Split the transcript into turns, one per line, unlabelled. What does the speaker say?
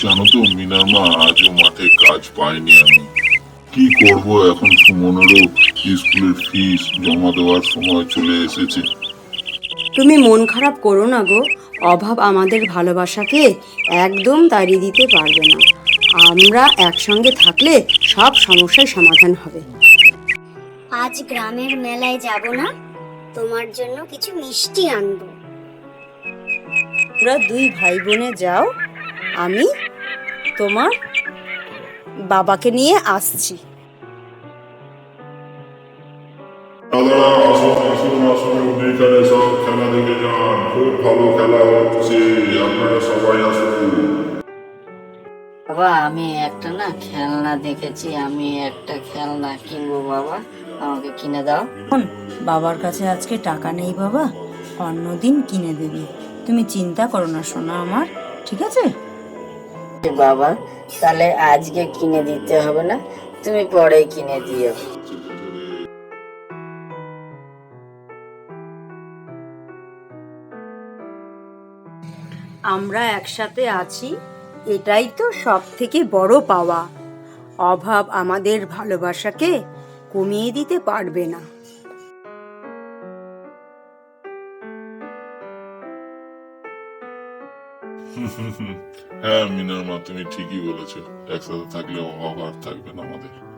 জানো তো মিনার মা, আজও মাঠে কাজ পাইনি আমি। কি করব এখন, সুমনেরও স্কুলের ফিস জমা দেওয়ার সময় চলে এসেছে।
তুমি মন খারাপ করো না গো, অভাব আমাদের ভালোবাসাকে একদম তাড়িয়ে দিতে পারবে না। আমরা একসঙ্গে থাকলে সব সমস্যার সমাধান হবে।
আজ গ্রামের মেলায় যাব না, তোমার জন্য কিছু মিষ্টি আনবো।
তোমরা দুই ভাই বোনে যাও, আমি তোমার বাবাকে নিয়ে আসছি।
দাদারা, আসুন আসুন আসুন, এখানে সব খেলা দেখে যান, খুব ভালো খেলা হচ্ছে, আপনারা সবাই আসুন।
বাবা, আমি একটা না খেলনা দেখেছি, আমি একটা খেলনা কিনবো বাবা, আমাকে কিনে দাও।
বাবার কাছে আজকে টাকা নেই বাবা, অন্যদিন কিনে দেবে। তুমি চিন্তা করো না সোনা আমার, ঠিক আছে?
বাবা, তাহলে আজকে কিনে দিতে হবে না, তুমি পরে কিনে দিও।
আমরা একসাথে আছি, এটাই তো সব থেকে বড় পাওয়া। অভাব আমাদের ভালোবাসাকে কমিয়ে দিতে পারবে না।
হ্যাঁ মিনার মা, তুমি ঠিকই বলেছো, একসাথে থাকলে অভাব আর থাকবে না আমাদের।